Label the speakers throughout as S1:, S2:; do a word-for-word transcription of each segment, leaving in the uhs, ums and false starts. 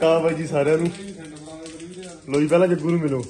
S1: ਕਾ ਬਾਈ ਜੀ ਸਾਰਿਆਂ ਨੂੰ ਲੋ ਜੀ ਪਹਿਲਾਂ ਜੱਗੂ ਨੂੰ ਮਿਲੋ।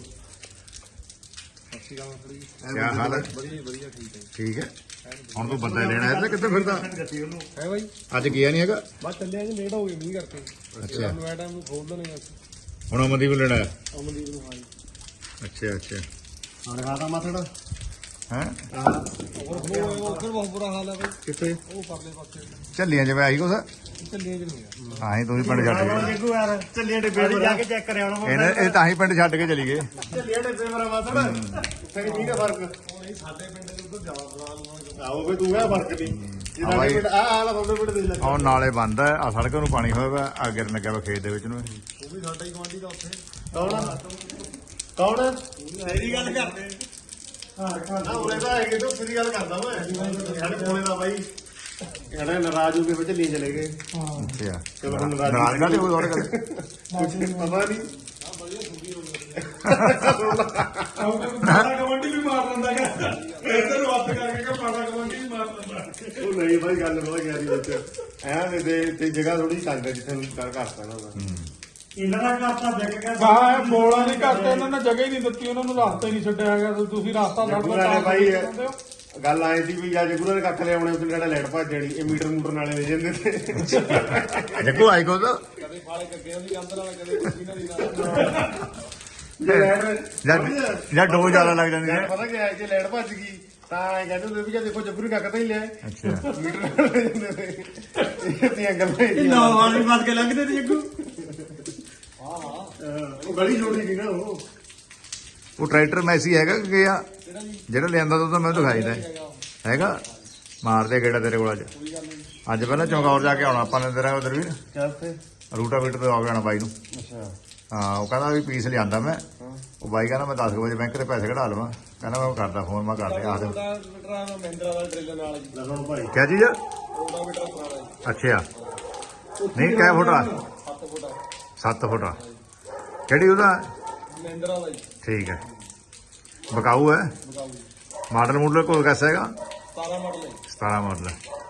S2: ਕਿਆ ਹਾਲ ਹੈ? ਠੀਕ ਹੈ। ਹੁਣ ਤੂੰ ਬੰਦਾ ਲੈਣਾ ਹੈ ਤੇ ਕਿੱਥੇ ਫਿਰਦਾ
S1: ਹੈ ਬਾਈ?
S2: ਅੱਜ ਗਿਆ ਨਹੀਂ ਹੈਗਾ
S1: ਬਸ ਚੱਲਿਆ ਜੀ, ਲੇਟ ਹੋ ਗਏ ਮੀਂਹ ਕਰਕੇ।
S2: ਅੱਛਾ
S1: ਮੈਂ ਟਾਈਮ ਨੂੰ ਖੋਲ ਦੇਣੇ
S2: ਹੁਣ ਅਮਨਦੀਪ ਨੂੰ ਲੈਣਾ ਹੈ।
S1: ਅਮਨਦੀਪ ਨੂੰ ਹਾਂ ਜੀ।
S2: ਅੱਛਾ ਅੱਛਾ
S1: ਹਾਂ ਦਿਖਾਤਾ ਮਾਥੜਾ
S2: ਹੈ
S1: ਉਹ ਫਿਰ ਬਹੁਤ ਬੁਰਾ ਹਾਲ ਹੈ ਬਾਈ। ਕਿੱਥੇ? ਉਹ ਪਰਲੇ ਪਾਸੇ
S2: ਝੱਲੀਆਂ ਜਿਵੇਂ ਆਈ ਕੁਛ
S1: ਚੱਲੀਆਂ ਚ ਨਹੀਂ
S2: ਹਾਂ ਹੀ ਤੁਸੀਂ ਪਿੰਡ ਛੱਡ ਗਏ।
S1: ਜੱਗੂ ਯਾਰ ਚੱਲੀਆਂ ਡੱਬੇ ਵਾਲੀ ਜਾ ਕੇ ਚੈੱਕ ਕਰਿਆ ਉਹਨਾਂ
S2: ਇਹਨੇ ਇਹ ਤਾਂ ਹੀ ਪਿੰਡ ਛੱਡ ਕੇ ਚਲੀ ਗਏ।
S1: ਚੱਲੀਆਂ ਡੱਬੇ ਮੇਰਾ ਮਾਥੜਾ ਫਿਰ ਮੀਂਹ ਦਾ ਫਰਕ ਨਹੀਂ ਸਾਡੇ ਪਿੰਡ ਦੇ ਉੱਧਰ ਜਾਵਾ ਬੁਲਾ ਆਓ ਫੇ ਤੂੰ ਹੈ ਫਰਕ ਨਹੀਂ ਜਿਹੜਾ ਪਿੰਡ ਆ ਆਲਾ ਤੁਹਾਡੇ ਪਿੰਡ ਦੇ ਲੱਗਾ
S2: ਉਹ ਨਾਲੇ ਬੰਦ ਹੈ ਆ ਸੜਕ ਨੂੰ ਪਾਣੀ ਹੋਇਆ ਵਾ ਆ ਗਿਰਨ ਲੱਗਿਆ ਵਾ ਖੇਤ ਦੇ ਵਿੱਚ ਨੂੰ।
S1: ਉਹ ਵੀ ਸਾਡਾ ਹੀ ਗਵਾਂਢੀ ਦਾ ਉੱਥੇ ਕੌਣ ਕੌਣ ਮੇਰੀ ਗੱਲ ਕਰਦੇ ਹਾਂ ਨਾ ਉਹਨੇ ਤਾਂ ਹੈਗੇ ਤੋਂ ਸਿੱਧੀ ਗੱਲ ਕਰਦਾ ਮੈਂ ਸਾਡੇ ਕੋਲੇ ਦਾ ਬਾਈ ਕਹਿੰਦਾ ਨਾਰਾਜ਼ ਹੋ ਕੇ ਵਿੱਚ ਲਈ ਚਲੇ ਗਏ।
S2: ਅੱਛਾ
S1: ਚਲੋ ਹੁਣ ਨਾਰਾਜ਼
S2: ਨਾਰਾਜ਼ ਕਾਹਦੇ ਹੋਏ ਤੁਹਾਡੇ ਕੋਲ?
S1: ਕੁਝ ਪਤਾ ਨਹੀਂ ਮਾੜਾ ਕਮੰਡੀ ਵੀ ਮਾਰ ਲੈਂਦਾ ਹੈਗਾ ਇੱਧਰ ਵੱਤ ਕਰਕੇ ਕਿ ਮਾੜਾ ਕਮੰਡੀ ਵੀ ਮਾਰ ਲੈਂਦਾ। ਉਹ ਨਹੀਂ ਬਾਈ ਗੱਲ ਬਹੁਤ ਯਾਰੀ ਵਿੱਚ ਐ ਦੇ ਤੇ ਜਗ੍ਹਾ ਥੋੜੀ ਤੰਗ ਹੈ ਜਿੱਥੇ ਨੂੰ ਕਰ ਕਰਤਾ ਨਾ ਇਹਨਾਂ ਦਾ ਕਰਤਾ ਜਗ ਗਿਆ
S3: ਕਹਾ ਬੋਲਾ ਨਹੀਂ ਕਰਤੇ ਇਹਨਾਂ ਨੇ ਜਗ੍ਹਾ ਹੀ ਨਹੀਂ ਦਿੱਤੀ, ਉਹਨਾਂ ਨੂੰ ਰਸਤਾ ਹੀ ਨਹੀਂ ਛੱਡਿਆ ਹੈਗਾ। ਤੁਸੀਂ ਰਸਤਾ ਛੱਡਦਾ
S1: ਬਾਈ ਗੱਲ ਆਏ ਸੀ ਵੀ ਅੱਜ ਗੁਰੂ ਦੇ ਕੱਖ ਲਿਆਉਣੇ ਉੱਥੇ ਜਿਹੜਾ ਲੈਟ ਭੱਜ ਜਾਣੀ ਇਹ ਮੀਟਰ ਮੂਟਰ ਨਾਲੇ ਦੇ ਜਾਂਦੇ ਤੇ
S2: ਜੱਗੂ ਆਈ ਕੋਲ
S1: ਕਦੇ ਫਾਲੇ ਕੱਗੇ ਉਹਦੀ ਕੰਧ ਨਾਲ ਕਦੇ ਕੁੱਤੀ ਨਾਲ ਜੇ ਲੈਟ
S2: ਜਾਂ ਜਾਂ ਡੋ ਜ਼ਿਆਦਾ ਲੱਗ ਜਾਂਦੀ ਹੈ।
S1: ਪਤਾ ਕੀ ਹੈ ਜੇ ਲੈਟ ਭੱਜ ਗਈ ਤਾਂ ਐ ਕਹਿੰਦੇ ਹੁੰਦੇ ਵੀ ਜੇ ਦੇਖੋ ਜੱਗੂ ਨੇ ਕੱਖ ਤਾਂ ਹੀ ਲਿਆ
S2: ਅੱਛਾ
S1: ਮੀਟਰ ਨਾਲ ਲੈ ਜਾਂਦੇ ਤੇ ਇਹ ਤੀਆਂ ਗੱਲਾਂ
S3: ਇਹ ਨੌ ਵਾਲੀ ਵੱਧ ਕੇ ਲੰਘਦੇ ਤੇ ਜੱਗੂ।
S1: ਹਾਂ ਹਾਂ ਉਹ ਗਲੀ ਜੋੜੀ ਸੀ ਨਾ ਉਹ
S2: ਉਹ ਟਰੈਕਟਰ ਮੈਸੀ ਹੈਗਾ ਕਿ ਗਿਆ ਜਿਹੜਾ ਲਿਆਂਦਾ ਤਾਂ ਮੈਨੂੰ ਦਿਖਾਈਦਾ ਹੈਗਾ। ਮਾਰਦੇ ਗੇੜਾ ਤੇਰੇ ਕੋਲ ਅੱਜ ਅੱਜ ਪਹਿਲਾਂ ਚੌਂਕੌਰ ਜਾ ਕੇ ਆਉਣਾ ਆਪਾਂ ਨੇ ਤੇਰਾ ਉਧਰ ਵੀ
S1: ਕਿੱਥੇ
S2: ਰੂਟਾ ਵੀਟ ਤੋਂ ਆ ਜਾਣਾ ਬਾਈ ਨੂੰ।
S1: ਅੱਛਾ
S2: ਹਾਂ ਉਹ ਕਹਿੰਦਾ ਵੀ ਪੀਸ ਲਿਆਂਦਾ ਮੈਂ। ਉਹ ਬਾਈ ਕਹਿੰਦਾ ਮੈਂ ਦਸ ਵਜੇ ਬੈਂਕ ਦੇ ਪੈਸੇ ਕਢਾ ਲਵਾਂ। ਕਹਿੰਦਾ ਮੈਂ ਕਰਦਾ ਫੋਨ ਮੈਂ ਕਰਦੇ ਆ ਦੇ
S1: ਮਹਿੰਦਰਾ ਦਾ ਟ੍ਰੇਲਰ ਨਾਲ ਜੀ ਲਗਾਉਣ ਭਾਈ
S2: ਕਿਆ ਚੀਜ਼
S1: ਉਹਦਾ ਮੀਟਰ ਪੁਰਾਣਾ
S2: ਅੱਛਾ ਨਹੀਂ ਕਿਆ ਫੁੱਟਾ
S1: ਸੱਤ ਫੁੱਟ
S2: ਸੱਤ ਫੁੱਟਾ ਕਿਹੜੀ ਉਹਦਾ
S1: ਮਹਿੰਦਰਾ ਦਾ ਜੀ
S2: ਠੀਕ ਹੈ ਬਕਾਊ ਹੈ ਮਾਡਲ ਮੂਡਲ ਕੋਲ ਕੈਸਾ ਹੈਗਾ
S1: ਸਤਾਰਾਂ ਮਾਡਲ ਹੈ
S2: ਸਤਾਰਾਂ ਮਾਡਲ